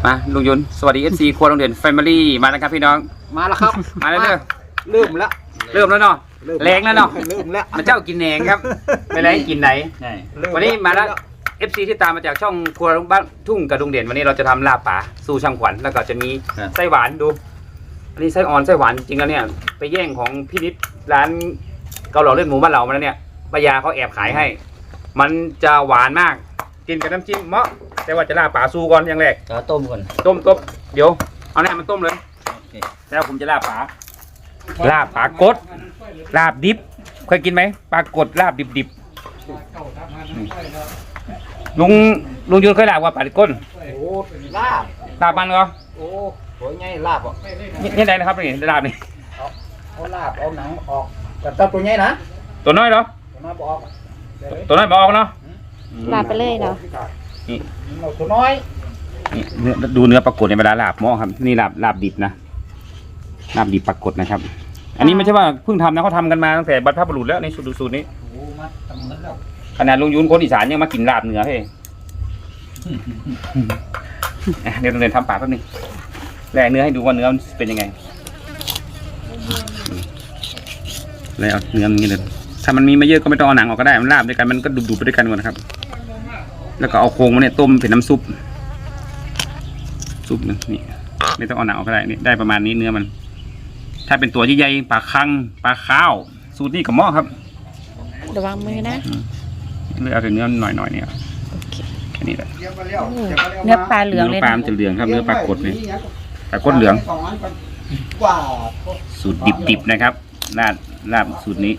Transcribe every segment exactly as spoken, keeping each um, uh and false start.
มาลุงยุนสวัสดีเอฟซีครัวโรงเรียนแฟมิลี่มาแล้วครับพี่น้องมาแล้วครับมาแล้วเด้อเริ่มแล้วเริ่มแล้วเนาะแรงแล้วเนาะเริ่มแล้วมาเจ้ากินแหนงครับไม่แรงกินไหนวันนี้มาแล้วเอฟซีที่ตามมาจากช่องครัวบ้านทุ่งกระดุงเด่นวันนี้เราจะทำลาบป่าสู่ช่างขวัญแล้วก็จะมีไส้หวานดูอันนี้ไส้อ่อนไส้หวานจริงแล้วเนี่ยไปแย่งของพี่นิดร้านเกาเหลาเลือดหมูบ้านเรามาแล้วเนี่ยป้ายาเขาแอบขายให้ มันจะหวานมากกินกับน้ำจิ้มเหมาะแต่ว่าจะลาบป่าสู่ก่อนอย่างแรกจะต้มก่อนต้มต้มเดี๋ยวเอาแน่มันต้มเลยแล้วผมจะลาบป่าลาบป่ากดลาบดิบเคยกินไหมปลากดลาบดิบดิบลุงลุงยุนเคยลาบว่าปลาดิบก้นโอ้ลาบลาบมันเหรอโอ้โหไงลาบอ่ะนี่ไหนนะครับนี่ลาบนี่เอาเอาลาบเอาหนังออกแต่ตัวใหญ่นะตัวน้อยเหรอตัวน้อยบอกตัวน้อยบอกเนาะลาบไปเลยเนาะนี่ตัวน้อยนี่เนื้อดูเนื้อปลากดในเวลาลาบหม้อครับนี่ลาบลาบดิบนะลาบดิบปลากดนะครับอันนี้ไม่ใช่ว่าเพิ่งทำนะเขาทำกันมาตั้งแต่บรรพบุรุษแล้วในสูตรสูตรนี้ขนาดลุงยุนคนอีสานยังมากินลาบเหนือเฮ้เดี๋ยวเราเดินทำปากแป๊บนึงแล่เนื้อให้ดูว่าเนื้อเป็นยังไงแล้วเอาเนื้อมันนี่เลยถ้ามันมีไม่เยอะก็ไม่ต้องเอาหนังออกก็ได้มันลาบด้วยกันมันก็ดุๆไปด้วยกันหมดนะครับแล้วก็เอาโครงมันเนี่ยต้มเป็นน้ำซุปซุปนึงนี่ไม่ต้องเอาหนังออกก็ได้นี่ได้ประมาณนี้เนื้อมันถ้าเป็นตัวใหญ่ๆปลาคังปลาข้าวสูตรนี้กับหม้อครับระวังมือนะเลือกเอาแต่เนื้อหน่อยๆเนี่ยแค่นี้แหละเนื้อปลาเหลืองเลยเนื้อปลาจะเหลืองครับเนื้อปลากดเนี่ยปลากดเหลืองสูตรดิบๆนะครับลาบลาบสูตรนี้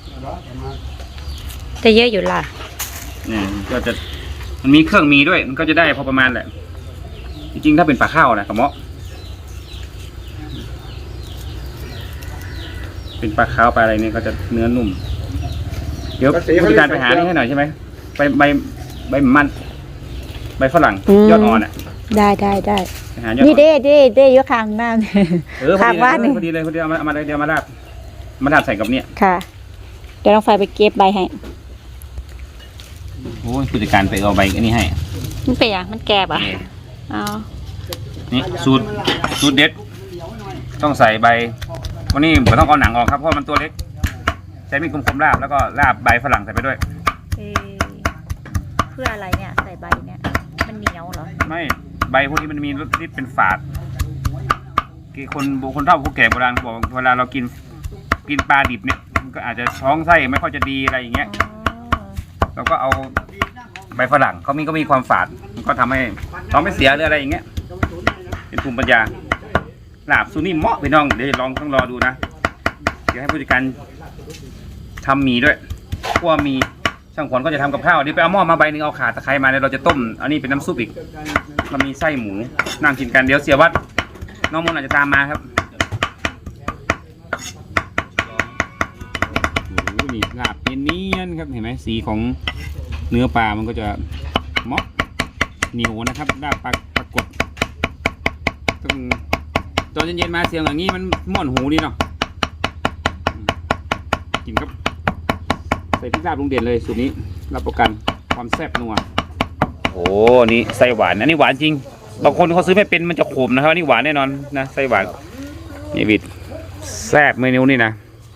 จะเยอะอยู่ล่ะเนี่ยก็จะมันมีเครื่องมีด้วยมันก็จะได้พอประมาณแหละจริงๆถ้าเป็นปลาข้าวนะกับหม้อเป็นปลาข้าวปลาอะไรเนี่ยก็จะเนื้อนุ่มเดี๋ยวผู้จัดการไปหานี่ให้หน่อยใช่ไหมใบใบใบมันใบฝรั่งยอดอ่อนอ่ะได้ได้ได้นี่เด้เด้เด้ยกข้างหน้าข้างบ้านนี่พอดีเลยพอดีเอามาเอามาเดี๋ยวมาลาบมาลาบใส่กับเนี่ยค่ะเดี๋ยวต้องไฟไปเก็บใบให้โอ้ยผู้จัดการไปเอาใบอันนี้ให้มันเป็นอย่างมันแก่ป่ะอ๋อนี่สูตรสูตรเด็ดต้องใส่ใบวันนี้ผมต้องเอาหนังออกครับเพราะมันตัวเล็กใช้มีดคมๆลาบแล้วก็ลาบใบฝรั่งใส่ไปด้วยเพื่ออะไรเนี่ยใส่ใบเนี่ยมันเหนียวเหรอไม่ใบพวกนี้มันมีรสที่เป็นฝาดคือคนโบคนเฒ่าผู้แก่โบราณบอกเวลาเรากินกินปลาดิบเนี่ยมันก็อาจจะท้องไส้ไม่ค่อยจะดีอะไรอย่างเงี้ยเราก็เอาใบฝรั่งเขามีก็มีความฝาดมันก็ทำให้ท้องไม่เสียหรืออะไรอย่างเงี้ยเป็นภูมิปัญญาลาบซูนี่เหมาะพี่น้องเดี๋ยวลองต้องรอดูนะเดี๋ยวให้ผู้จัดการทำหมี่ด้วยพวกมีช่างขวัญก็จะทำกับข้าวเดี๋ยวไปเอาหม้อมาใบหนึ่งเอาข่าตะไคร้มาเดี๋ยวเราจะต้มอันนี้เป็นน้ำซุปอีกเรามีไส้หมูนั่งกินกันเดี๋ยวเสียวัดน้องมนอาจจะตามมาครับโอ้โหนี่ลาบเนียนๆครับเห็นไหมสีของเนื้อปลามันก็จะเหมาะเหนียวนะครับลาบปลาปลากดต้องตอนเย็นๆมาเสียงอย่างนี้มันม่วนหูดีเนาะกินครับใส่พริกลาบลุงเด่นเลยสูตรนี้รับประกันความแซ่บนัวโอ้นี่ไส้หวานอันนี้หวานจริงบางคนเขาซื้อไม่เป็นมันจะขมนะครับนี่หวานแน่นอนนะไส้หวานนี่บิดแซ่บเมนูนี่นะ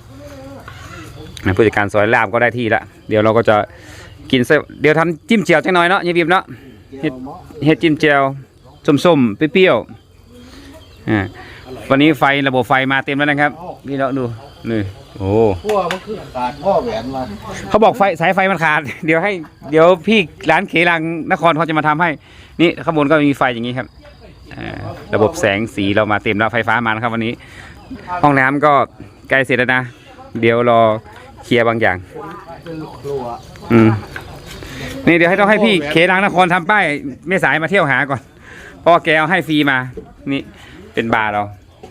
ผู้จัดการซอยลาบก็ได้ที่ละเดี๋ยวเราก็จะกินไส้เดี๋ยวทำจิ้มเจียวจังหน่อยเนาะยี่บิบเนาะเฮ็ดจิ้มเจียวส้มๆเปรี้ยวๆอ่าวันนี้ไฟระบบไฟมาเต็มแล้วนะครับนี่เราดูนี่โอ้ขั้วมันคือขาดข้อแหวนมาเขาบอกไฟสายไฟมันขาดเดี๋ยวให้เดี๋ยวพี่ร้านเขลังนครเขาจะมาทำให้นี่ข้างบนก็มีไฟอย่างนี้ครับระบบแสงสีเรามาเต็มแล้วไฟฟ้ามานะครับวันนี้ห้องน้ำก็ใกล้เสร็จแล้วนะเดี๋ยวรอเคลียร์บางอย่างอืมนี่เดี๋ยวให้ต้องให้พี่เขลังนครทำป้ายไม่สายมาเที่ยวหาก่อนเพราะแกเอาให้ฟรีมานี่เป็นบาร์เรา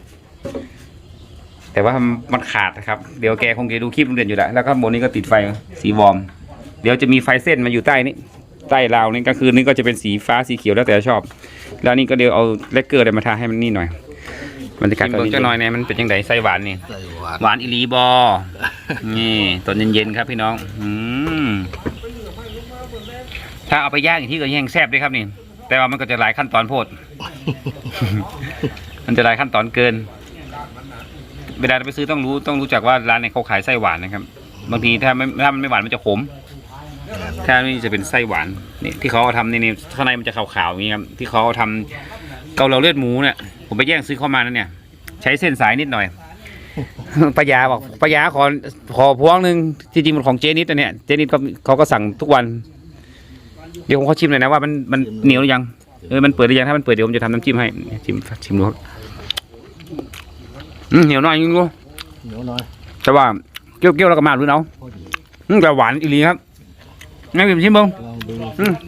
แต่ว่ามันขาดนะครับเดี๋ยวแกคงจะดูคลิปโรงเรียนอยู่แล้วแล้วก็บนนี้ก็ติดไฟสีวอร์มเดี๋ยวจะมีไฟเส้นมาอยู่ใต้นี้ใต้ราวนี้กลางคืนนี้ก็จะเป็นสีฟ้าสีเขียวแล้วแต่ชอบแล้วนี่ก็เดี๋ยวเอาเลกเกอร์อะไรมาทาให้มันนี่หน่อยบรรยากาศตอนนี้จะน้อยเนี่ยมันเป็นยังไงไส้หวานนี่หวานอิลีบอนี่ตอนเย็นๆครับพี่น้องอืมถ้าเอาไปย่างอย่างที่ก็แห้งแซ่บด้วยครับนี่แต่ว่ามันก็จะหลายขั้นตอนโพด มันจะหลายขั้นตอนเกิน เวลาไปซื้อต้องรู้ต้องรู้จักว่าร้านไหนเขาขายไส้หวานนะครับ บางทีถ้าไม่ถ้ามันไม่หวานมันจะขม ถ้านี่จะเป็นไส้หวานนี่ที่เขาเอาทำนี่นี่ข้างในมันจะขาวๆอย่างนี้ครับที่เขาเอาทำเกาเหลาเลือดหมูเนี่ยผมไปแย่งซื้อเข้ามานั่นเนี่ย ใช้เส้นสายนิดหน่อย ปายาบอกปายาขอขอพวงหนึ่งจริงๆมันของเจนิดนะเนี่ยเจนิดก็เขาก็สั่งทุกวัน เดี๋ยวผมขอชิมหน่อยนะว่ามันมันเหนียวหรือยังเออมันเปิดหรือยังถ้ามันเปิดเดี๋ยวผมจะทำน้ำจิ้มให้ชิมชิมดูครับอืมเหนียวหน่อยจริงดูเหนียวหน่อยแต่ว่าเกี้ยวๆแล้วก็มาดูเนาะอืมแต่หวานอีหลีครับงั้นผมชิมบ้างลองดูอืม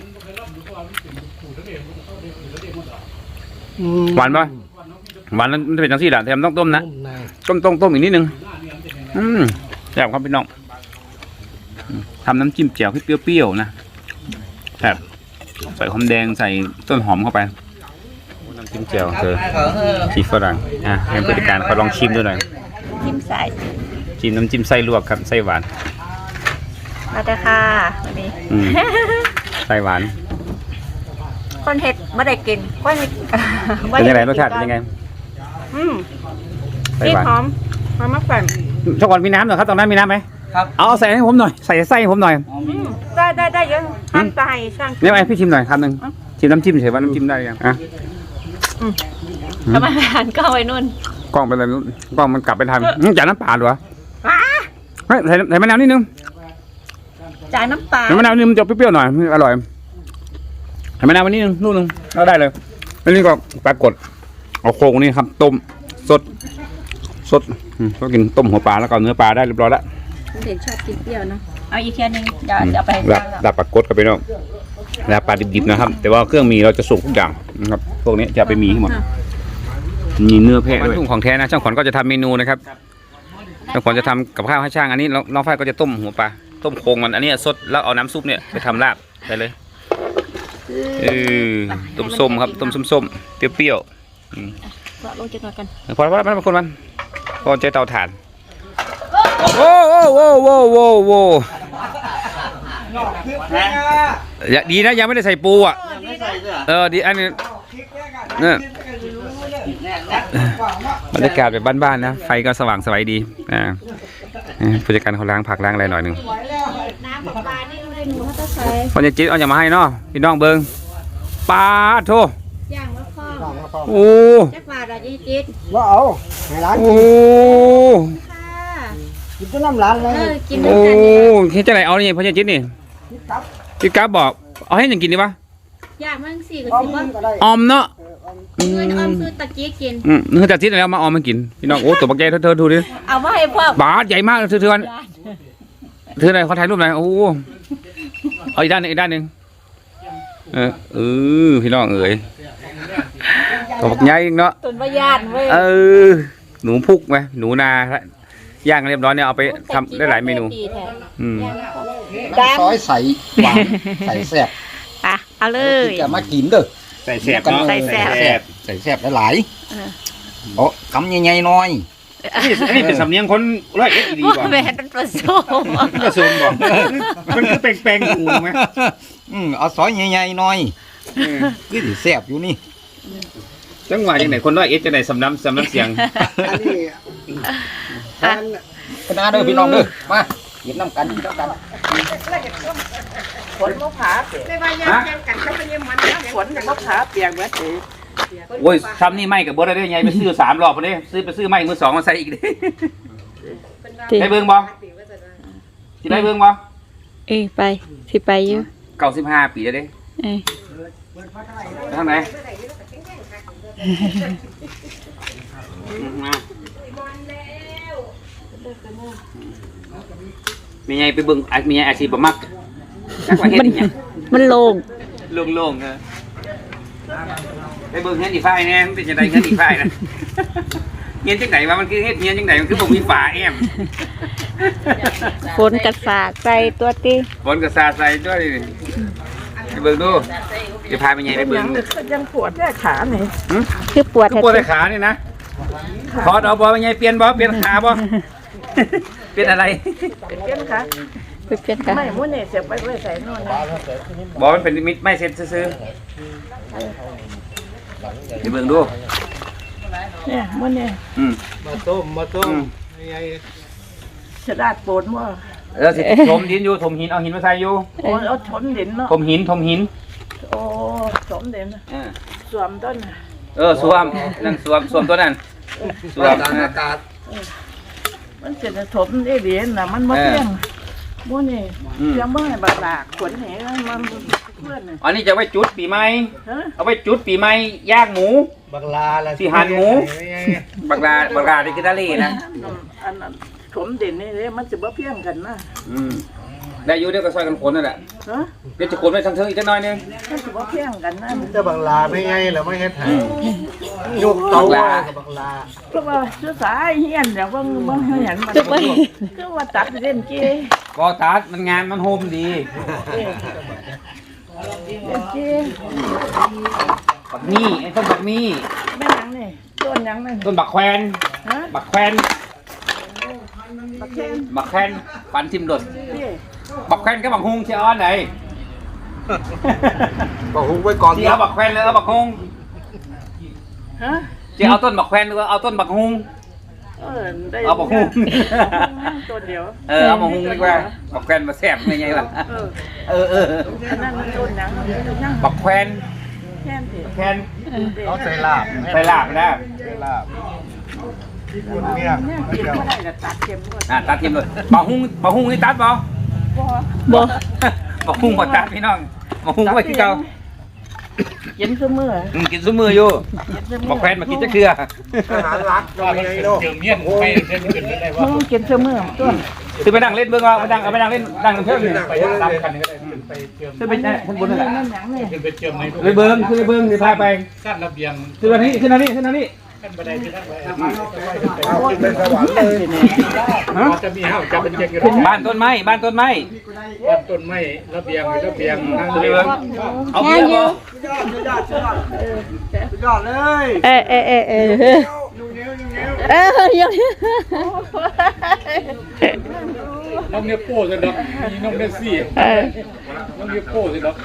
หวานปะหวานแล้วมันจะเป็นจังซี่แหละแต่มันต้องต้มนะนุ่มในต้มต้มต้มอีกนิดนึงอืมแซ่บครับพี่น้องอืมทำน้ำจิ้มแจ่วให้เปรี้ยวๆนะแซ่บใส่หอมแดงใส่ต้นหอมเข้าไปน้ำจิ้มแจ่วเธอชีฝรั่งอ่ะให้บริการเขาลองชิมด้วยหน่อยจิ้มใส่จิ้มน้ำจิ้มไส้ลวกครับไส้หวานมาเลยค่ะวันนี้อืม ไส้หวานคนเห็ดไม่ได้กินคนเป็นยังไงรสชาติเป็นยังไงอืมไส้กลิ่นหวานหอมหอมมากแฝงช่วงก่อนมีน้ำเหรอครับตรงนั้นมีน้ำไหมครับเอาใส่ให้ผมหน่อยใส่ไส้ให้ผมหน่อยอืมได้ได้ได้เยอะช่างตายช่างเนี่ยไอพี่ชิมหน่อยคำหนึ่งชิมน้ำจิ้มเฉยว่าน้ำจิ้มได้ยังอ่ะทำไมหันกล้องไว้นู่นกล้องเป็นอะไรไม่รู้กล้องมันกลับไปทำอื้อจ่ายน้ำปลาเหรอว้าเฮ้ยใส่ใส่มะนาวนิดนึงจ่ายน้ำปลาใส่มะนาวนิดนึงมันจะเปรี้ยวๆหน่อยอร่อยใส่มะนาวนิดนึงลูกนึงแล้วได้เลยอันนี้ก็ปลากดเอาโครงนี่ครับต้มสดสดอืมก็กินต้มหัวปลาแล้วก็เนื้อปลาได้เรียบร้อยแล้วเห็นชอบกินเปรี้ยวเนาะเอาอีกเทียนึงเดี๋ยวเดี๋ยวไปดับดับปลากดกับไปน้องดับปลาดิบๆนะครับ แต่ว่าเครื่องมีเราจะสุกทุกอย่างนะครับพวกนี้จะไปมีให้หมดมีเนื้อแพะด้วยทุ่งของแท้นะช่างขวัญก็จะทำเมนูนะครับช่างขวัญจะทำกับข้าวให้ช่างอันนี้น้องฝ้ายก็จะต้มหัวปลาต้มโครงมันอันนี้สดแล้วเอาน้ำซุปเนี่ยไปทำลาบได้เลยเออต้มส้มครับต้มส้มๆเปรี้ยวๆอืมเราลงจังหน่อยกันพอแล้วพอแล้วมันคนมันพอใจเตาถ่านโอ้โอ้โอ้โอ้โอ้โอ้อย่าดีนะยังไม่ได้ใส่ปูอ่ะเออดีอันนี้เนี่ยบรรยากาศแบบบ้านๆนะไฟก็สว่างสวยดีอ่าผู้จัดการเขาล้างผักล้างอะไรหน่อยหนึ่งน้ำกับปลานี่ไม่ได้หนูเขาต้องใส่พอจะจิ๊ดเอาอย่ามาให้เนาะพี่น้องเบิงปลาโถย่างมะพร้าวโอ้จักบาทอะยี่จิ๊ดว่าเอาให้ร้านโอ้ค่ะกินจนน้ำร้านเลเอย อกินด้วโอ้ยกันเนี่ยเฮ็ดจังไหนเอานี่พอจะจิ๊ดนี่พี่กั๊บบอกเอาให้ยังกินดีวะย่างมันสี่กับอ้อมสิบว่าก็ได้ออมเนาะเงินออมคือตะกี้กินอืมเนื้อจากที่ไหนแล้วมาออมมากินพี่น้องโอ้ตัวบักใหญ่เธอเธอดูดิเอามาให้พ่อบาสใหญ่มากเธอเธอเธอไหนเขาถ่ายรูปไหนโอ้เอาอีกด้านหนึงอีกด้านหนึ่งเออเออพี่น้องเอ๋ยตัวบักใหญ่เนาะตุนประหยัดเว้ยเออหนูพุกไหมหนูนาย่างเรียบร้อยเนี่ยเอาไปทำได้หลายเมนูอืมน้ำซอยใส่หวานใส่แซ่บไปเอาเลยที่จะมากินเด้อใส่แซ่บเนาะใส่แซ่บใส่ใส่แซ่บหลายเออๆโอ้คำใหญ่ๆหน้อยนี่อันนี้เป็นสำเนียงคนร้อยเอ็ดดีกว่าแม่เป็นผสมกระซูมบอกมันคือแปลงๆกูไหมอืมเอาซอยใหญ่ๆหน้อยคือสิแซ่บอยู่นี่จังหวะยังไหนคนร้อยเอ็ดจะไหนสำน้ำสำน้ำเสียงอันนี้คณะเด้อพี่น้องเด้อมาหยิบน้ำกันกินน้ำกันฝนมะพร้าวเปียกไม่ว่ายังยังกันเขาเป็นยังมันนะฝนกับมะพร้าวเปียกเหมือนเดิมโอ้ยทำนี่ไม่กับบดได้ยังไงไปซื้อสามรอบพอดีซื้อไปซื้อไม่มือสองมาใส่อีกดิได้เบิ่งบ่สิได้เบิ่งบ่เอ้ยไปสิไปอยู่เก้าสิบห้าปีแล้วเด้เอ้ยไปทางไหนมีไงไปเบิ่งมีไงอาชีพบ่มักจักว่าเฮ็ดอีหยังมันโล่งโล่งๆเออไปเบิ่งเฮ็ดอีฝ้ายแน่มันเป็นจังได๋เฮ็ดอีฝ้ายนะเฮียนจังได๋ว่ามันคือเฮ็ดเฮียนจังได๋มันคือบ่มีฝาแอมฝนกระสากใส่ตัวตีฝนก็สาดใส่ด้วยนี่ไปเบิ่งดูจะพาไปไงไปเบิ่ยัง งยังปวดแค่ขาไหนคือปวดทุกปวดในขานี่นะขอดเอาบ่ไปไงเปลี่ยนบ่เปลี่ยนขาบ่เปลี่ยนอะไรเป็นเพี้ยนค่ะไปเปลี่ยนกันไม่มื้อนี่เสียบไปไว้ใส่โน่นนะบอกมันเป็นมิตรไม่เซ็ตซื้อๆเดี๋ยวเบิ่งดูเนี่ยมื้อนี่อืมมาต้มมาต้มสะดาดโปนว่าเออสิถมดินอยู่ถมหินเอาหินมาใส่อยู่โอ้เอาถมดินเนาะถมหินถมหินโอ้ถมดินเออสวมต้นเออสวมนั่นสวมสวมตัวนั้นสวมอากาศมันจะถมได้เหรียญน่ะมันบ่เพียงมื้อนี่เพียงบ่ให้บาดากขนแหมันเพื่อนน่ะอันนี้จะไว้จุดปีใหม่ฮะเอาไว้จุดปีใหม่ย่างหมูบักลาละสิหั่นหมู บักลาบักลาที่กินทะเลนะอันนั้นถมดินนี่เด้มันสิบ่เพียงกันนะอืมได้อยู่เดี๋ยวก็ซอยกันขนนั่นแหละฮะเดี๋ยวจะขนไปทางเทิงอีกจักหน่อยนึงมันสิบ่เพียงกันนะจะบักลาไม่ไงแล้วไม่เฮ็ดให้ยกเตากับบักลาเพราะว่าสุดสายเฮียนอย่างว่าบ่เห็นมันคือว่าตัดเล่นเกก็ตัดมันงานมันโฮมดีเล่นเกบักมี่ไอ้ต้นบักมี่แม่ยังนี่ต้นยังนี่ต้นบักแควนฮะบักแควนบักแข้งบักแควนปันทิมโดดนี่บักแควนกับบักฮุงเชียอ้อนไหนบอกหุงไว้ก่อนเชียเอาบักแควนหรือเอาบักฮุงฮะเชียเอาต้นบักแควนหรือเอาต้นบักฮุงเออได้เอาบักฮุงต้นเดียวเออเอาบักฮุงดีกว่าบักแควนมาแซ่บไงไงล่ะเออเออเอออันนั้นมันต้นยังยังบักแควนแค่นสิแคนเขาใส่ลาบใส่ลาบนะใส่ลาบคุณเนี่ยเนี่ยกินบ่ได้ก็ตัดเข็มบ่อ่ะตัดทิมเลยบักฮุงบักฮุงนี่ตัดบ่บ่บ่บักฮุงบ่ตัดพี่น้องบักฮุงไว้ที่เก่ากินซุมื้ออืมกินซุมืออยู่กินซุมื้อบักแควนมากินจักเทื่ออาหารรักก็ไม่ไงเนาะมึงกินซุมื้อตัวคือไปนั่งเล่นเบิ่งว่าไปนั่งเอาไปนั่งเล่นนั่งกันเพิ่มอยู่ไปรับกันคือไปนั่งข้างบนนั่นแหละนั่นหยังนี่ขึ้นไปเจิมในรูปไปเบิ่งคือไปเบิ่งสิพาไปกั้นระเบียงคืออันนี้ขึ้นอันนี้ขึ้นอันนี้ขั้นบันไดที่นั่งไว้เอาขึ้นเป็นสวรรค์เลยฮะจะมีห้าวจะเป็นเจงอยู่บ้านต้นไม้บ้านต้นไม้บ้านต้นไม้ระเบียงระเบียงนั่งคือไปเรือเบิ่งเอาเบียร์บ่ยอดเลยเออเออเออเออเออยังน้องเนี่ยโป้สิดอกมีน้องเนี่ยสี่เออน้องเนี่ยโป้สิดอก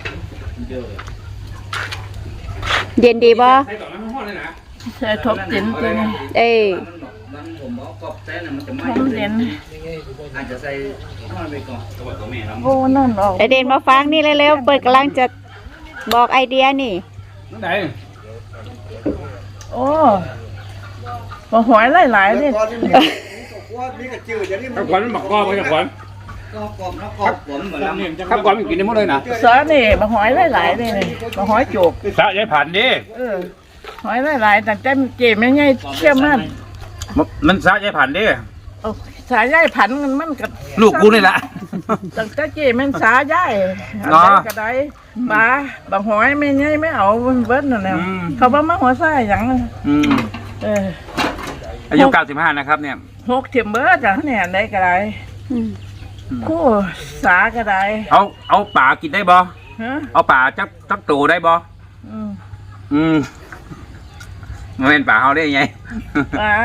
เย็นดีบ่ใส่ต่อน้ำห้อนเลยนะใส่ทบดินตัวนี้เอ้ยผมเอากรอบแซ่น่ะมันจะไหม้ทบดินอาจจะใส่น้ำมันไปก่อนตัวตัวแม่เนาะโอ้นั่นออกไอเดนมาฟังนี่เร็วๆเปิดกำลังจะบอกไอเดียนี่นั่นไหนโอ้บ่หอยหลายๆนี่ก่อนนี่ว่ามีกระจืดอย่างนี้มัข้าน วขวัญมันบักกรอบไปข้าวขวัญก็กรอบแล้วกรอบผมเหมือนลำข้าวขวัญมันกินได้หมดเลยนะซอนี่บ่หอยหลายๆนี่บ่หอยโจกสะยายผ่านดิเออหอยหลายๆแต่แต่เจ็บไม่ใหญ่เชื่อมันมันสะยายผ่านดิเอาสายใยผันมันมันก็ลูกกูนี่แหละตั้งแต่เจ็บมันสายใยเนาะก็ได้ปลาบางหอยไม่ใหญ่ไม่เอาเบิดนั่นแหละอืมเขาบ่มาหัวไส้หยังอืมเอออายุเก้าสิบห้านะครับเนี่ยหกเทียมเบิดจังเนี่ยได้ก็ได้อืมคู่สาก็ได้เอาเอาป่ากินได้บ่ฮะเอาป่าจักจักโตได้บ่อืมอืมมันเป็นป่าเฮาได้ยังไงปลา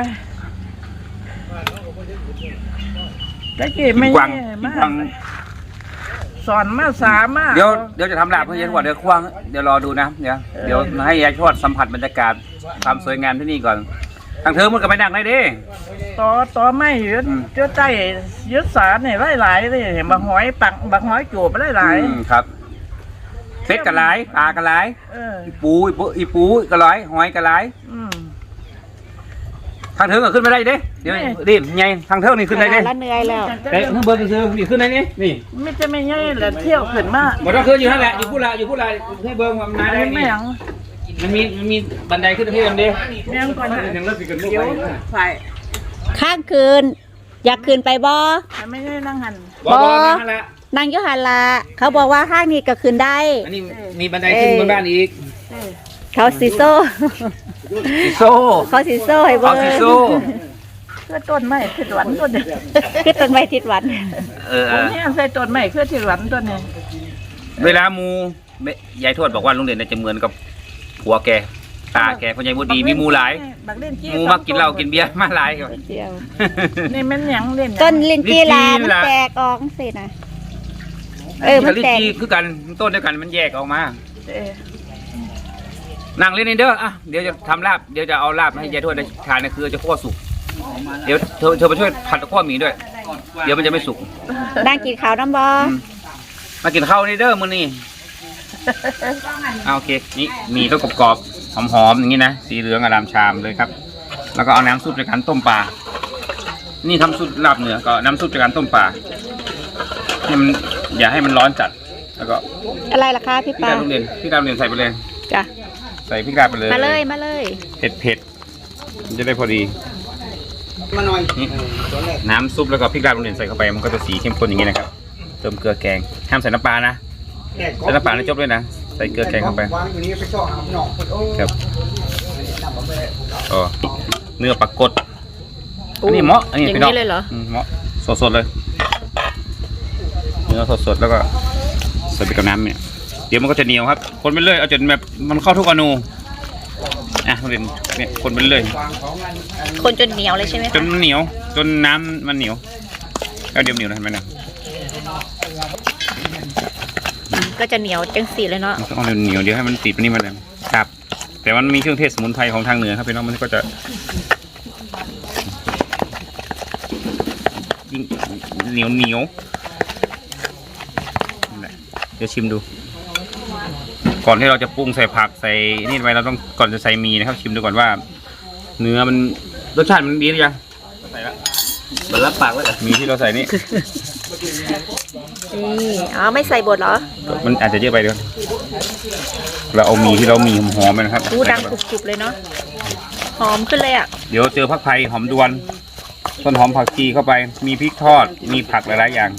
ตะกี้ไม่กวางแย่กินมากกวางสอนมาสามากเดี๋ยวเดี๋ยวจะทำลาบเพื่อยายทวดเดี๋ยวควางเดี๋ยวรอดูนะเดี๋ยวเดี๋ยวให้ยายทวดสัมผัสบรรยากาศความสวยงามที่นี่ก่อนทางเธอมันก็ไปนั่งได้ดิต่อต่อไม่ยืดอืมเจ้าใจยืดสารเนี่ยหลายๆเลยเห็นบางหอยปักบางหอยจูบไปหลายอืมครับเซ็ตกระไรปลากระไรๆเอออีปูอีปูอีปูกระไรหอยกระไรอืมทางเธอก็ขึ้นไม่ได้เด้เดี๋ยวไม่ดิไงทางเธอนี่ขึ้นได้เด้แล้วเหนื่อยแล้วแต่ข้างบนก็คือนี่ขึ้นได้นี่นี่ไม่จะไม่ง่ายเลยเที่ยวขึ้นมาบ่ต้องขึ้นอยู่นั่นแหละอยู่พูดละอยู่พูดละให้เบิ่งว่ามันมาได้ไม่นี่หยังมันมีมันมีบันไดขึ้นที่มันดิเมียงก่อนนะยังเลิกสิกันลูกเดี๋ยวไปไฟข้างคืน อยากคืนไปบ่มันไม่ได้นั่งหันบ่บ่นั่นแหละนางยุหันละเขาบอกว่าห้างนี้ก็คืนได้อันนี้มีบันไดขึ้นบนบ้านอีกเออเขาสิโซ่อีโซ่เขาสิโซ่ให้เบิ่เอางสิโซ่คือต้นไม้คือหวันต้นเดียวคือต้นไม้ทิศหวันเออผมเนี่ยใส่ต้นไม้คือที่หวันต้นนี้เวลามูยายทวดบอกว่าลุงเด่นจะเหมือนกับผัวแกตาแก่คนใหญ่บุดีมีหมูหลายบักเล่นจี้หมูมากินเหล้ากินเบียร์มาหลายครับเจียวนี่มันหยังเล่นหยังต้นลินจีลาลิ้นจี่มันล่ะแตกออกสินะเออมันแตกลิ้นจี่คือกันต้นเดียวกันมันแยกออกมาเออนั่งเล่นนี่เด้ออ่ะเดี๋ยวจะทำลาบเดี๋ยวจะเอาลาบให้ยายทวดได้ทานนะคือจะคั่วสุกเดี๋ยวเธอเธอมาช่วยผัดคั่วหมี่ด้วย เดี๋ยวมันจะไม่สุกนั่งกินข้าวน้ำบออืมมากินข้าวนี่เด้อมื้อนี้เอาโอเคนี่หมีต้องกรอบๆหอมๆอย่างนี้นะสีเหลืองอารามชามเลยครับ แล้วก็เอาน้ำซุปจากการต้มปลานี่ทำซุปลาบเหนือก็น้ำซุปจากการต้มปลาให้มันอย่าให้มันร้อนจัดแล้วก็อะไรล่ะคะพี่พี่ปาดาวโรงเรียนพี่ดาวโรงเรียนใส่ไปเลยจ้ะใส่พริกดาวไปเลยมาเลยมาเลยเผ็ดเผ็ดมันจะได้พอดีมาหน่อยนี่น้ำซุปแล้วก็พริกดาวโรงเรียนใส่เข้าไปมันก็จะสีเข้มข้นอย่างนี้นะครับเติมเกลือแกงห้ามใส่น้ำปลานะใส่น้ำปลาแล้วจบด้วยนะใส่เกลือแกงเข้าไปวางอยู่นี่ไปจ่อหาหนอกโอ้ครับอ๋อเนื้อปลากดอันนี้เหมาะอันนี้อย่างพี่น้องนี้เลยเหรออืมเหมาะสดๆเลยเนื้อสดๆแล้วก็ใส่ไปกับน้ำเนี่ยเดี๋ยวมันก็จะเหนียวครับคนไปเรื่อยเอาจนแบบมันเข้าทุกอนูอ่ะโรงเรียนเนี่ยคนไปเรื่อยคนจนเหนียวเลยใช่ไหมจนเหนียวจนน้ำมันเหนียวแล้วเดี๋ยวเหนียวนะเห็นไหมนะก็จะเหนียวจังสีเลยเนาะมันต้องเอาเหนียวเดี๋ยวให้มันติดไปนี่มันเลยครับ แต่มันมีเครื่องเทศสมุนไพรของทางเหนือครับพี่น้องมันก็จะยิ่งเหนียวเหนียวนั่นแหละเดี๋ยวชิมดู ก่อนที่เราจะปรุงใส่ผักใส่นี่ไปเราต้องก่อนจะใส่หมีนะครับ ชิมดูก่อนว่า เนื้อมันรสชาติมันดีหรือยังใส่ละมันรับปากแล้วเหรอหมีที่เราใส่นี่นี่อ๋อไม่ใส่บดเหรอมันอาจจะเยอะไปเดี๋ยวเราเอาหมีที่เรามีหอมๆไปนะครับอู้ดังกรุบๆเลยเนาะหอมขึ้นเลยอ่ะเดี๋ยวเจอผักไผ่หอมดวนต้นหอมผักชีเข้าไป มีพริกทอดมีผักหลายๆอย่าง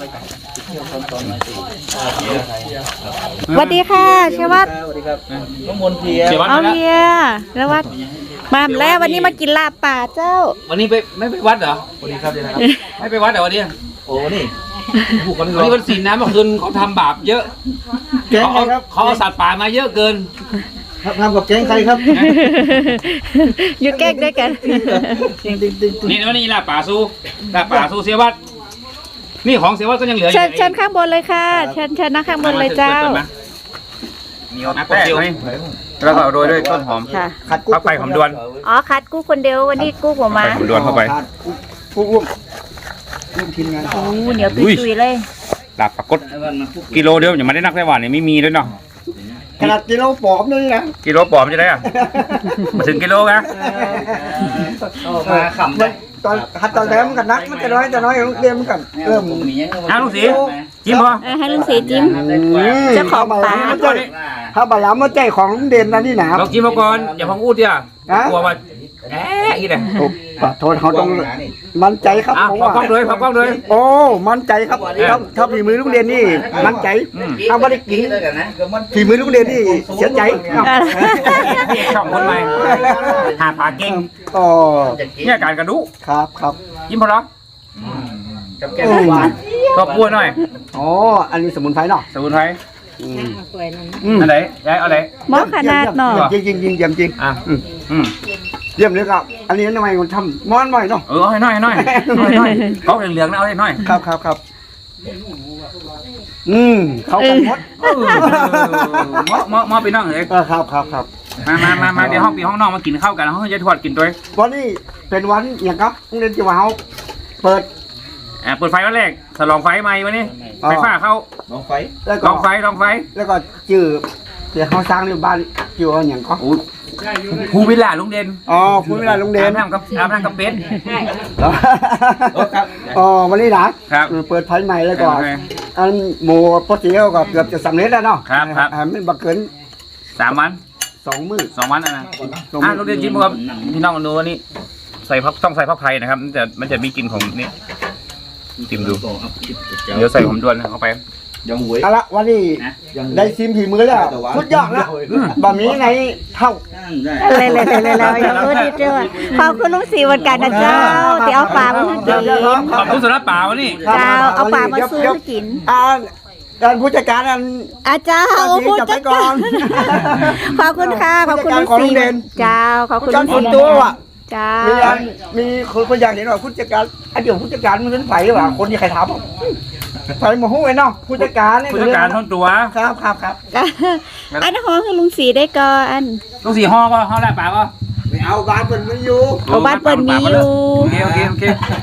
สวัสดีค่ะเชวัตสวัสดีครับน้องมนเทียเสียวัดเอามาแล้วเฮียแล้ววัดมาแล้ววันนี้มากินลาบป่าเจ้าวันนี้ไปไม่ไปวัดเหรอสวัสดีครับเดี๋ยวนะครับไม่ไปวัดเหรอวันนี้โอ้นี่ผูกกันวันนี้วันศีลนะเมื่อคืนเขาทำบาปเยอะแก๊งเขาใครเอาครับเขาเอาสัตว์ป่ามาเยอะเกินทำกับแก๊งใครครับหยุดแกล้งด้วยกันนี่วันนี้ลาบป่าสู้ลาบป่าสู้เสียวัดนี่ของเสียวัดก็ยังเหลืออเชิยู่ญเชิญข้างบนเลยค่ะ เชิญเชิญนั่งข้างบนเลยเจ้าเหนียวนะแป้งให้แล้วก็เอาโรยด้วยต้นหอมค่ะขัดกุ๊ผักไผ่หอมดวนอ๋อคัดกู้คนเดียววันนี้กู้ผมมาผักไผ่หอมดวนเข้าไปกุ๊กร่วมร่วมทีมงานโอ้เหนียวตุยๆเลยลาบปลากดกิโลเดียวอย่ามาได้นักได้หวานนี่ไม่มีด้วยเนาะขนาดกิโลปอมเลยนะกิโลปอมจะได้อะมาถึงกิโลนะมาขำเลยตอนหัดตอนแรกมันกันนักมันจะน้อยจะน้อยเรียนมันกันเริ่มอ้าวลุงศรีจิ้มพอเออให้ลุงศรีจิ้ม เจ้าของป่าถ้าบาลามาใจของลุงเด่นนะนี่นะเราจิ้มมาก่อนอย่าพังอูดเดียวกลัวว่าแอ๊ะอีกเลยขอโทษเขาต้องมั่นใจครับอ่ะผมพอว่ากล้องเลยพอกล้องเลยโอ้มั่นใจครับถ้าถ้าฝีมือลุงเด่นนี่มั่นใจถ้าไม่ได้กินฝีมือลุงเด่นนี่เสียใจช่องคนใหม่หาปลาเก่งอ๋อเนี่ยการกระดูครับครับจิ้มพอแล้วกับแก้วหวานก็พูดหน่อยอ๋ออันนี้สมุนไพรเนาะสมุนไพรอืมอันไหนยายเอาไหนหม้อขนาดหน่อยจริงจริงจริงเยี่ยมจริงอ่ะอืมอืมเยี่ยมเลยครับอันนี้ทำไมคนทำม้อนหน่อยเนาะเออเอาให้หน่อยให้หน่อยเอาให้หน่อยเขาเหลืองๆนะเอาให้หน่อยครับครับครับอืมเขากันหมดเออหมอหมอหมอไปนั่งเลยเออครับครับครับมามามามาเดี๋ยวห้องปีห้องนอกมากินข้าวกันห้องจะทอดกินด้วยวันนี้เป็นวันอย่างครับโรงเรียนจิ๋วเฮาเปิดอ่าเปิดไฟวันแรกฉลองไฟใหม่วันนี้อ๋อไฟฟ้าเข้าแล้วลก็องไฟลองไฟแล้วก็จื่อเดี๋ยวเขาสร้างในบ้านจิ๋วอย่างก็โอ้ภูวิลล่าลุงเด่นอ๋อพูดเวลาโรงเรียอาน บน้ำกับอาบน้ำกับเป็ดอ๋อวันนี้นะครับ เปิดไฟใหม่แล้วก็โอเคอันหมูปกติก็เกือบจะสำเร็จแล้วเนาะครับครับอ่าไม่บักเกินสามวันสองมื้อสองวันอ่ะนะสองอ่ะมื้อลุงเด่นจิ้มครับพี่น้องดูวันนี้ใส่พักต้องใส่พักไผ่นะครับมันจะมันจะมีกลิ่นของนี่จิ้มดูเดี๋ยวใส่หอมด้วนเข้าไปเอาละวันนี้ได้ชิมผีมือแล้วสุดยอดแล้วบะหมี่ในเท่าเลยเลยเลยเลยเลยเออดีเจ้าขอบคุณลุงศรีวันกันนะเจ้าที่เอาปลามาให้กินขอบคุณสำหรับป่าวันนี้เจ้าเอาปลามาซื้อให้กินอ่าการผู้จัดการนั้นอาจารย์โอ้โหจับไปก่อนขอบคุณค่ะขอบคุณผู้จัดการของโรงเรียนเจ้าขอบคุณการส่วนตัวว่ะเจ้ามีอันมีคนคนอยากเห็นว่าผู้จัดการไอ้เดี๋ยวผู้จัดการมันเป็นไผ่ว่ะคนที่ใครทำอ่ะไผ่หมอหูไอ้เนาะผู้จัดการเนี่ยผู้จัดการท่อนตัวครับครับครับอันนั้นของคือลุงสีได้ก่อนลูกสี่ห้อก็ห้อแรกปากก็ไม่เอาบ้านเปิดไม่อยู่เอาบ้านเปิดมีอยู่โอเคโอเคโอเค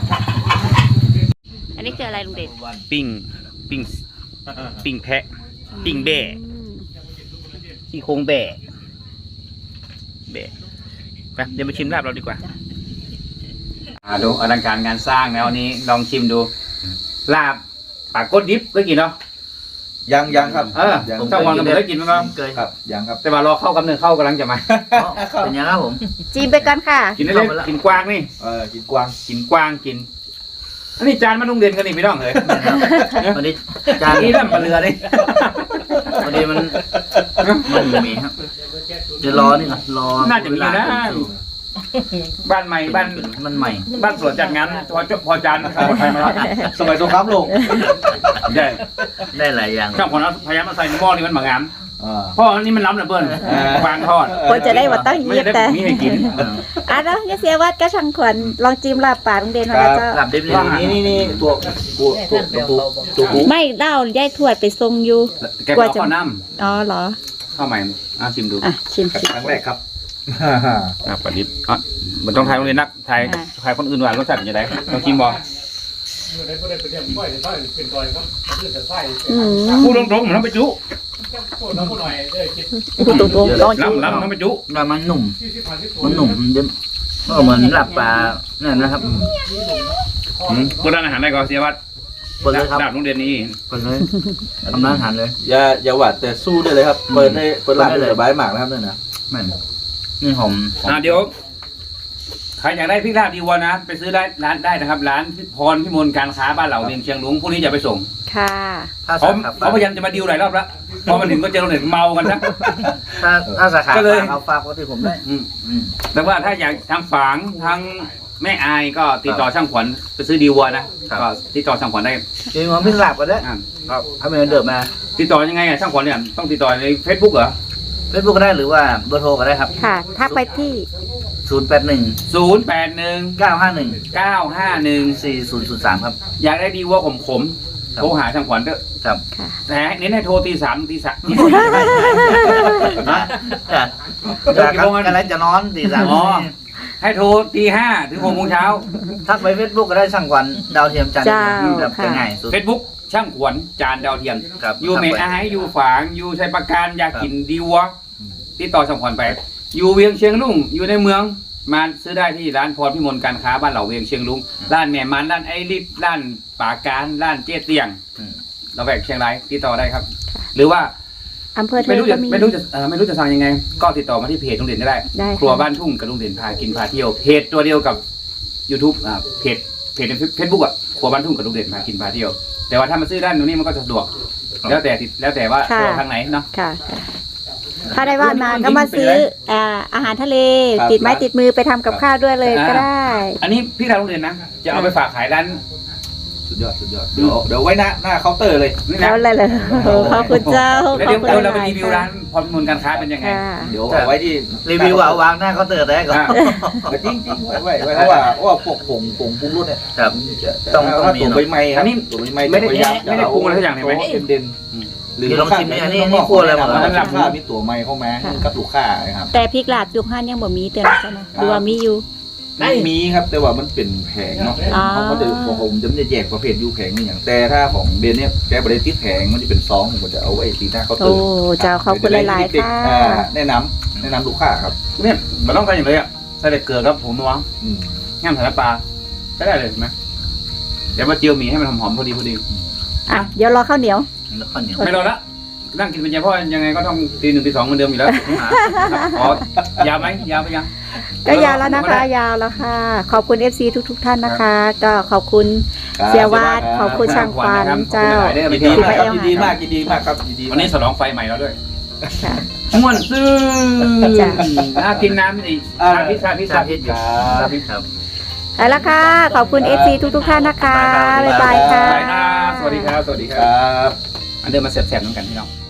อันนี้คืออะไรลุงเด่นปิ้งปิ้งปิ้งแพะปิ้งแบะที่โครงแบะแบะไปเดี๋ยวมาชิมลาบเราดีกว่าอ่าดูอลังการงานสร้างนะวันนี้ลองชิมดูลาบปากก้นดิบเคยกินเนาะยังยังครับเออยังผมต้องวางกันเคยกินมั้งครับเคยครับยังครับแต่ว่ารอเข้ากำเนิดเข้ากำลังจะมาเป็นยังครับผมจีมไปก่อนค่ะกินได้เลยกินกวางนี่เออกินกวางกินกวางกิน อันนี้จานมาลุงเด่นกันนี่พี่น้องเลยวันนี้จานนี้เริ่มมาเรือนี่วันนี้มันมันไม่มีครับจะรอนี่ก่อนรอน่าจะมีนะบ้านใหม่บ้านมันใหม่บ้านสวนจัดงานพอจบพอจานครับใครมารับสมัยสงครามโลกได้ได้หลายอย่างช่างคนเอาพยายามมาใส่ในหม้อนี่มันบางงามอ่าเพราะอันนี้มันล้ำเหลือเกินกวางทอดคนจะได้ว่าต้องไม่เยียบได้แต่มีให้กินอ่ะแล้วเนี่ยเสียวัดก็ช่างขวัญลองจิ้มลาบป่าลุงเด่นมาแล้วเจ้าหลับดิบเลยนี่นี่นี่ตัวตัวตัวตัวปูตัวปูไม่เล่าย้ายทวดไปทรงอยู่แกไปเอาข้าวน้อ๋อเหรอำข้าวใหม่อ่ะชิมดูอ่ะชิมชิมครั้งแรกครับอ่ะปลาดิบอ่ะมันต้องทายโรงเรียนนักทายอ่าทายคนอื่นว่ารสชาติเป็นยังไงลองชิมบ่ได้บ่ได้ไปเรียนบ่อยได้เป็นก่อยครับขึ้นแต่ไส้อืมพูดตรงๆมันต้องไปจุโคตรน้ำผู้หน่อยเด้อคิดพูดตรงๆลองจิ้มล้ำล้ำต้องไปจุแล้วมันหนุ่มที่สิบพันที่ตัวมันหนุ่มเดี๋ยวก็เหมือนหลับปลาเนี่ยนะครับอืมเปิดร้านอาหารได้ก่อนเสียวัดเปิดเลยครับดาบโรงเรียนนี้เปิดเลยทำร้านอาหารเลยอย่าอย่าหวาดแต่สู้ได้เลยครับ เปิดได้เปิดร้านได้สบายมากนะครับเนี่ยนะแม่นนี่หอมหอมอ่าเดี๋ยวใครอยากได้พริกลาบดีวัวนะ ไปซื้อได้ร้านได้นะครับ ร้านพรพิมลการค้าบ้านเหล่าเวียงเชียงลุงพรุ่งนี้จะไปส่งค่ะถ้าเขาสาขาเขาพยายามจะมาดิวหลายรอบแล้วพอมาถึงก็เจอโรงเรียนเมากันนะถ้าถ้าสาขาก็เลยเอาฝากไว้ที่ผมได้อืมอืมแต่ว่าถ้าอยากทางฝางทางแม่อายก็ติดต่อช่างขวัญไปซื้อดีวัวนะก็ติดต่อช่างขวัญได้จริงๆพี่หลับก็ได้อ่าครับถ้าไม่เดิมมาติดต่อยังไงอ่ะช่างขวัญเนี่ยต้องติดต่อในเฟซบุ๊กเหรอเฟซบุ๊กก็ได้หรือว่าเบอร์โทรก็ได้ครับค่ะทักไปที่ศูนย์แปดหนึ่งศูนย์แปดหนึ่งเก้าห้าหนึ่งเก้าห้าหนึ่งสี่ศูนย์ศูนย์สามครับอยากได้ดีวัวขมขมๆครับโทรหาช่างขวัญเถอะครับค่ะแต่เน้นให้โทรตีสามตีสามจากกันอะไรจะนอนตีสามอ๋อ ให้โทรตีห้าถึงหกโมงเช้าทักไปเฟซบุ๊กก็ได้ช่างขวัญดาวเทียมจันทร์เจ้าแบบค่ะง่ายสุดเฟซบุ๊กช่างขวัญจานดาวเทียมครับอยู่เมอาให้อยู่ฝางอยู่ชัยประการอยากกินดีวัวติดต่อช่างขวัญไป อยู่เวียงเชียงลุงอยู่ในเมืองมาซื้อได้ที่ร้านพรพิมลการค้าบ้านเหล่าเวียงเชียงลุงร้านแม่มันร้านไอริฟร้านป่าการร้านเจ๊เตียงอืมเราแบกเชียงรายติดต่อได้ครับ หรือว่าอำเภอเทไม่ยรู้ก็จะมีไม่รู้จะเอ่อไม่รู้จะสั่งยังไง ก็ติดต่อมาที่เพจลุงเด่นก็ได้ได้ครัวค่ะบ้านทุ่งกับลุงเด่นพากินพาเที่ยวเพจตัวเดียวกับ YouTube อ่าเพจเพจในเฟซบุ๊กอ่ะครัวบ้านทุ่งกับลุงเด่นพากินพาเที่ยว แต่ว่าถ้ามาซื้อด้านตรงนี้มันก็สะดวก แล้วแต่ติดแล้วแต่ว่าค่ะตัวทางไหนเนาะค่ะค่ะ ถ้าได้ว่านมาก็มาซื้ออ่าอาหารทะเลครับติดไม้ติดมือไปทำกับข้าวด้วยเลยอ่าก็ได้อันนี้พี่ทางลุงเด่นนะจะเอาไปฝากขายร้านสุดยอดสุดยอดเดี๋ยวเดี๋ยวไว้หน้าหน้าเคาน์เตอร์เลยนี่แล้นะวเลยเลยโอ้ขอบคุณเจ้าแล้วขอเดี๋ยวบคุณเดี๋ยวเราไปหลรีวิวร้านพรพิมลการค้าเป็นยังไงค่ะเดี๋ยวเอาไว้ที่รีวิวเอาวางหน้าเคาน์เตอร์ได้ก่อนอ่าจริงจริงๆไว้ไว้ไว้เพราะว่าเพราะว่าพวกผงผงปรุงรสเนี่ยครับจะต้องต้องถ้ามีตัวเนอะใบไม้คอัรับนนี้ตัวใบไม้ไม่ได้จะพยายาไม่ได้ปรุงอะไรสักอย่างเห็นไหมเด่นอืมๆหรือเดี๋ยวลองชิมดิอันนี้ข้างนี่คั่วอะไรมาแนะนำมันหลับลูกค้ามีตัวไม้เข้ามากับลูกค้านะครับแต่พริกลาดยุคห้านยังบ่มีเตือนใช่ไหมหรือว่ามีอยู่ไม่มีครับแต่ว่ามันเป็นแผงเนาะอ๋อเขาก็จะบอกผมจะไม่ได้แยกประเภทยูแผงนี่อย่างแต่ถ้าของเบนเนี่ยแกบริติดแผงมันจะเป็นซองผมก็จะเอาไว้ตีหน้าเคาน์เตอโอ้ร์เจ้าขอบคุณหลายๆเด็กค่ะๆอ่าแนะนำแนะนำลูกค้าครับเนี่ยมันต้องการอย่างไรอ่ะใส่แต่เกลือครับผมนัวอืมง่ามสารปลาใช้ได้เลยเห็นไหมเดี๋ยวมาเจียวหมี่ให้มันหอมๆพอดีพอดีอ่ะเดี๋ยวรอข้าวเหนียวแล้วข้าวเหนียวไม่รอละนั่งกินเป็นยาเพราะยังไงก็ต้องตีหนึ่งตีสองเหมือนเดิมอยู่แล้วครับอ๋อยาวไหมยาวไปยังก็ยาวแล้วนะคะ ยาวแล้วค่ะ ขอบคุณ เอฟ ซี ทุกๆท่านนะคะ ก็ขอบคุณเสียวาดขอบคุณช่างควันเจ้ายินดีมากครับยินดีมากยินดีมากครับยินดีวันนี้ฉลองไฟใหม่แล้วด้วยค่ะม่วนซื่อจ้ะน่ากินน้ำอีกชาพิษชาพิษชาชาพิพิษษอยู่ชาพิษครับไปแล้วค่ะ ขอบคุณ เอฟ ซี ทุกๆท่านนะคะ บ๊ายบายค่ะไปนะสวัสดีครับ สวัสดีคครับ รับอันเดิมมาแสบๆน้ำกันพี่น้อง